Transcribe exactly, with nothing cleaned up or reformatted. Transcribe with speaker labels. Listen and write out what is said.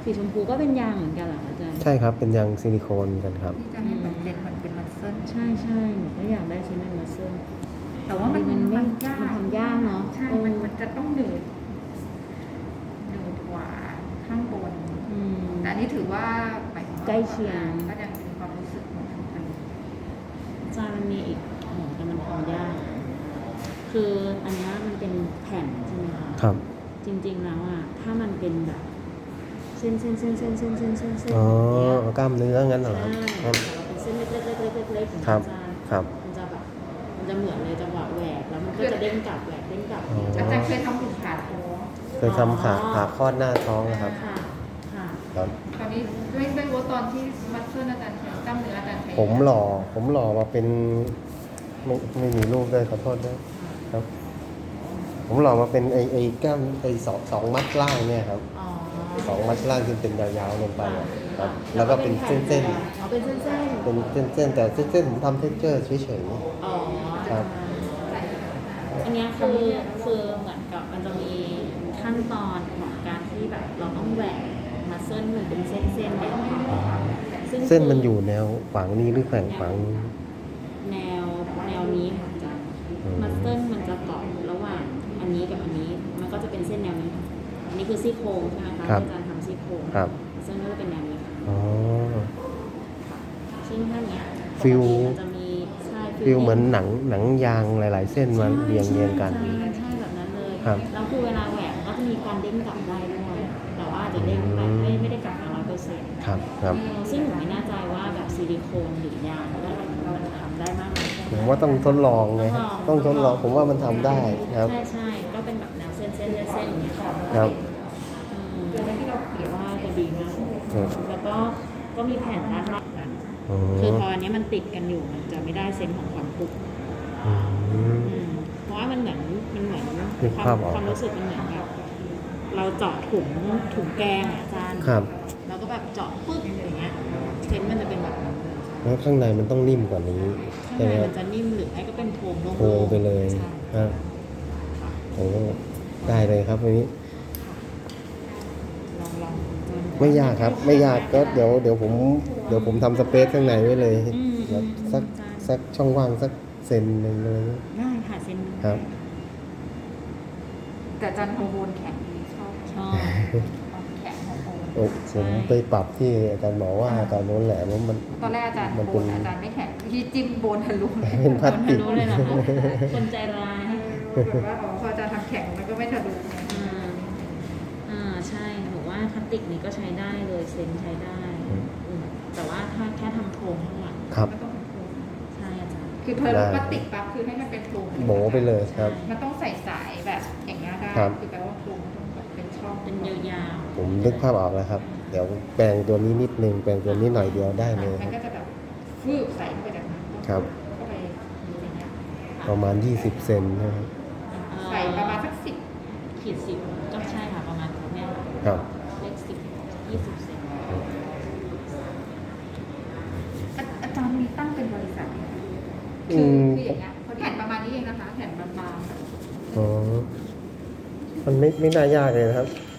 Speaker 1: สีชมพูก็เป็นยางเหมือนกันเหรออาจารย์
Speaker 2: ใช่ครับเป็นยางซิลิโคนกันครับ
Speaker 3: ที่จะให้แบบเด่นเหมือนเป็นมัสเซิล
Speaker 1: ใช่ใช่หนูก็อยากได้ชิ้นเป็นมัสเซิล
Speaker 3: แต่ว่ามัน
Speaker 1: มันไม่
Speaker 3: มันยาก
Speaker 1: มันทำยากเนาะ
Speaker 3: ใช่มันมันจะต้องหนืดหนืดกว่าข้างบน
Speaker 1: อืม
Speaker 3: แต่อันนี้ถือว่าหมายถึงว่า
Speaker 1: ใกล้เคียง
Speaker 3: ก็ยังมีความรู้สึกเหมือนกัน
Speaker 1: อาจารย์มันมีอีกโอ้โหแต่มันทำยากคืออันนี้มันเป็นแผ่นใช่ไหมคะ
Speaker 2: ครับ
Speaker 1: จริงๆแล้วอ่ะถ้ามันเป็นแบบเส้นเส้นเส้นเส้นเส้นเส้นเส้นเส้น
Speaker 2: อ๋อ
Speaker 1: อย่างเงี้ย
Speaker 2: กล้ามเนื้องั้นเหรอ
Speaker 1: ใช่
Speaker 2: ครับ
Speaker 1: แต่เราเป็นเส้นเล็กๆเล็กๆเล็กๆอย่าง
Speaker 2: ครั
Speaker 1: เงี้ย
Speaker 2: บ
Speaker 1: อาจารย์
Speaker 2: ครับ
Speaker 1: มันจะแบบมันจะเหมือนเลยจังหวะแหวกแล้วมันก็จะเด้งกลับแหวกเด้งกลับ
Speaker 2: อ๋อ
Speaker 3: อาจารย์เคยทำหุ่นขาท้อง
Speaker 2: เคยทำขาขาคลอดหน้าท้องนะครับ
Speaker 1: ค่ะค่ะ
Speaker 2: ครับ
Speaker 3: ตอนนี้ด้วยด้วยว่าตอนที่มัสเซิลอาจารย์ใช้กล้ามเนื้ออาจารย์ใช้
Speaker 2: ผมหล่อผมหล่อมาเป็นไม่ไม่มีรูปด้วยขอโทษด้วยครับ ผมหล่อมาเป็นไอไอกล้ามไอสองสองมัดล่างเนี่ยครับ
Speaker 1: อ๋อ
Speaker 2: สองมัดล่างที่เป็นยาวๆลงไปอะครับ แล้วก็เป็นเส้น
Speaker 1: อ๋อเป็นเส้นเส้น
Speaker 2: ๆเป็นเส้นๆแต่เส้นๆผมทำเทคเจอร์เฉย
Speaker 1: อ๋อ
Speaker 2: ครับ
Speaker 1: อันเนี้ยคือคือเหมือนกับมันจะมีขั้นตอนของการที่แบบเราต้องแหวกมาเส้นเหมือนเป็นเส้นเส้นเนี่ยซึ่ง
Speaker 2: ๆเส้นมันอยู่แนวขวางนี้หรือแขวงขวาง
Speaker 1: แนวแนวนี้ค่ะอาจารย์
Speaker 2: อืม
Speaker 1: มาเส้นมันจะเกาะระหว่างอันนี้กับอันนี้มันก็จะเป็นเส้นแนวนี้ค่ะอันนี้คือซี่โครงใช่ไหมคะที่อาจารย์ทำซี่โครง
Speaker 2: ครับ
Speaker 1: เส้นก็จะเป็นแนวนี้ค่ะ
Speaker 2: อ๋อ
Speaker 1: ซึ่งถ้าเนี้ย
Speaker 2: ฟิล
Speaker 1: ปกติมันจะมีใช่
Speaker 2: ฟิลเหมือนหนังหนังยางหลาย ๆ เส้นมาเรียงเรียงกัน
Speaker 1: ใช่ใช่แบบนั้นเลย
Speaker 2: ครับ
Speaker 1: แล้วคือเวลาแหวกก็จะมีการเด้งกลับได้ด้วยแต่ว่าอาจจะเด้งไปไม่ไม่ได้กลับมาร้อยเปอร์เซ็นต์
Speaker 2: ครับครับ
Speaker 1: ซึ่งหนูไม่แน่ใจว่าแบบซิลิโคนหรือยางอะไรมันทำได้มากไหม
Speaker 2: ผมว่าต้องทดลองไงครับต้องทดลองผมว่ามันทำได้ครับ
Speaker 1: ใช่ใช่ก็เป็นแบบแนวเส้นเส้นเส้นอย่างเงี้ยค่ะ
Speaker 2: ครับ
Speaker 1: อืมที่เราเขียนว่าจะดีมาก
Speaker 2: ครับ
Speaker 1: แล้วก็ก็มีแผ่นด้านนอกกัน
Speaker 2: อ๋อ
Speaker 1: คือพออันนี้มันติดกันอยู่มันจะไม่ได้เซนส์ของความปุก
Speaker 2: อืม
Speaker 1: อืมเพราะว่ามันเหมือนมันเหมือน
Speaker 2: นึก
Speaker 1: ควา
Speaker 2: ภาม พออก
Speaker 1: ความรู้สึกมันเหมือนแบบเราเจาะถุงถุงแกงอะอาจารย์
Speaker 2: ครับ
Speaker 1: แล้วก็แบบเจาะปึ๊บอย่างเงี้ยเซนส์มันจะเป็นแบบนั้น
Speaker 2: แล้วข้างในมันต้องนิ่มกว่านี้
Speaker 1: ข้าง
Speaker 2: ใช่ไห
Speaker 1: ใน
Speaker 2: มค
Speaker 1: มั
Speaker 2: รับ
Speaker 1: นจะนิ่มหรือไม่ก็เป็นโทงโล่งๆ
Speaker 2: โทงไปเลย
Speaker 1: ใช่
Speaker 2: ครับโอ้ได้เลยครับวันนี้
Speaker 1: ลองลองจน
Speaker 2: ไม่ยากครับ ไม่ยากก็เดี๋ยวเดี๋ยวผมเดี๋ยวผมทำสเปซข้างในไว้เลย
Speaker 1: อืม
Speaker 2: แบบสัก
Speaker 1: ใช่
Speaker 2: สักช่องว่างสักเซนหนึ่งเลย
Speaker 1: ได้ค่ะเซนหนึ่ง
Speaker 2: ครับ
Speaker 3: แต่อาจารย์ฮอร์โมนแข็งดีชอบ
Speaker 1: ชอบ
Speaker 3: แข็งฮอร์โมน
Speaker 2: โอ้ผมไปปรับที่อาจารย์หมอว่าตอนโน้นแหละว่ามัน
Speaker 3: ตอนแรกอาจารย์
Speaker 2: มัน
Speaker 3: โบ
Speaker 2: เป็น
Speaker 3: นอาจารย์ไม่แข็งที่จิ้มโบนทะลุ
Speaker 2: เป็นพลาสติก
Speaker 1: รู้เลยเหรอคะคนใจร้าย
Speaker 3: แบบว่าอ๋อพออาจารย์ทำแข็งมันก็ไม่ทะลุ
Speaker 1: อ่าอ่าใช่หนูว่าพลาสติกนี้ก็ใช้ได้เลยเซนใช้ได้
Speaker 2: อืม
Speaker 1: อืมแต่ว่าถ้าแค่ทำโครงข้างหลัง
Speaker 2: ครับ
Speaker 3: มันต้องเป็นโครง
Speaker 1: ใช่อาจารย์
Speaker 3: คือเพอพลาสติกปั๊บคือให้มันเป็นโครง
Speaker 2: โบไปเลยครับ
Speaker 3: มันต้องใส่สายแบบอย่างเงี้ยได้
Speaker 2: ครับ
Speaker 3: คือแปลว่าโครงมันต้องแบบเป็นช่อง
Speaker 1: เป็นยาว
Speaker 2: ผมนึกภาพออกแล้วครับ เดี๋ยวแปลงตัวนี้นิดนึงแปลงตัวนี้หน่อยเดียวได้เลย
Speaker 3: มันก็จะแบบฟืบใส่เข้าไปจากนั้น
Speaker 2: ครับ
Speaker 3: เข้าไปอย่างเงี้ย
Speaker 2: ประมาณยี่สิบเซนนะครับ
Speaker 1: ๆเอ่อ
Speaker 3: ใส่ประมาณสักสิบ
Speaker 1: ขีดสิบก็ใช่ค่ะประมาณเนี้ย
Speaker 2: ครับ
Speaker 1: เลขสิบยี่สิบเซน
Speaker 3: อาอาจารย์มีตั้งเป็นบริษัทไหมคะ
Speaker 2: อื
Speaker 3: คือ
Speaker 2: ม
Speaker 3: คืออย่างเงี้ยพอแผ่นประมาณนี้เองนะคะแผ่นบาง
Speaker 2: อ๋อ มันไม่ไม่น่ายากเลยนะครับ
Speaker 3: ๆ